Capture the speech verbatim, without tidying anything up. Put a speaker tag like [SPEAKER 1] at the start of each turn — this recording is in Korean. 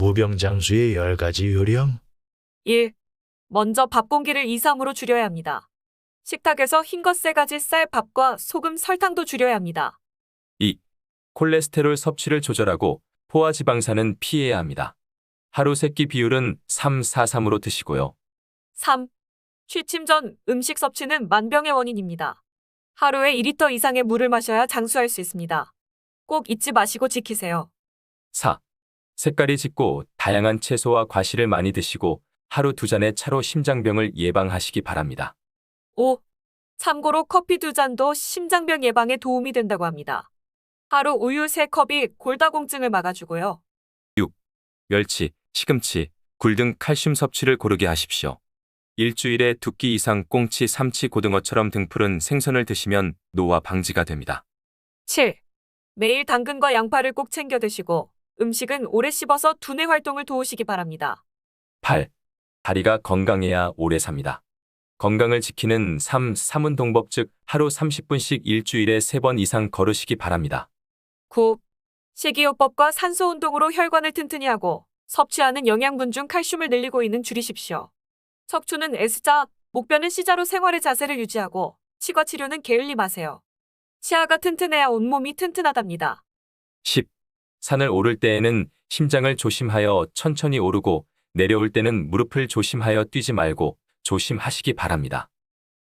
[SPEAKER 1] 무병장수의 열 가지 요령.
[SPEAKER 2] 일. 먼저 밥 공기를 이, 삼으로 줄여야 합니다. 식탁에서 흰것 세 가지 쌀, 밥과 소금, 설탕도 줄여야 합니다.
[SPEAKER 3] 이. 콜레스테롤 섭취를 조절하고 포화지방산은 피해야 합니다. 하루 세 끼 비율은 삼, 사, 삼으로 드시고요.
[SPEAKER 2] 삼. 취침 전 음식 섭취는 만병의 원인입니다. 하루에 이 리터 이상의 물을 마셔야 장수할 수 있습니다. 꼭 잊지 마시고 지키세요.
[SPEAKER 3] 사. 색깔이 짙고 다양한 채소와 과실을 많이 드시고 하루 두 잔의 차로 심장병을 예방하시기 바랍니다.
[SPEAKER 2] 오. 참고로 커피 두 잔도 심장병 예방에 도움이 된다고 합니다. 하루 우유 세 컵이 골다공증을 막아주고요.
[SPEAKER 3] 멸치, 시금치, 굴 등 칼슘 섭취를 고르게 하십시오. 일주일에 두 끼 이상 꽁치, 삼치, 고등어처럼 등푸른 생선을 드시면 노화 방지가 됩니다.
[SPEAKER 2] 칠. 매일 당근과 양파를 꼭 챙겨 드시고 음식은 오래 씹어서 두뇌 활동을 도우시기 바랍니다.
[SPEAKER 3] 팔. 다리가 건강해야 오래 삽니다. 건강을 지키는 삼, 삼운동법 즉 하루 삼십 분씩 일주일에 세 번 이상 걸으시기 바랍니다.
[SPEAKER 2] 구. 식이요법과 산소 운동으로 혈관을 튼튼히 하고 섭취하는 영양분 중 칼슘을 늘리고 있는 줄이십시오. 척추는 S자, 목뼈는 C자로 생활의 자세를 유지하고 치과 치료는 게을리 마세요. 치아가 튼튼해야 온몸이 튼튼하답니다.
[SPEAKER 3] 십. 산을 오를 때에는 심장을 조심하여 천천히 오르고 내려올 때는 무릎을 조심하여 뛰지 말고 조심하시기 바랍니다.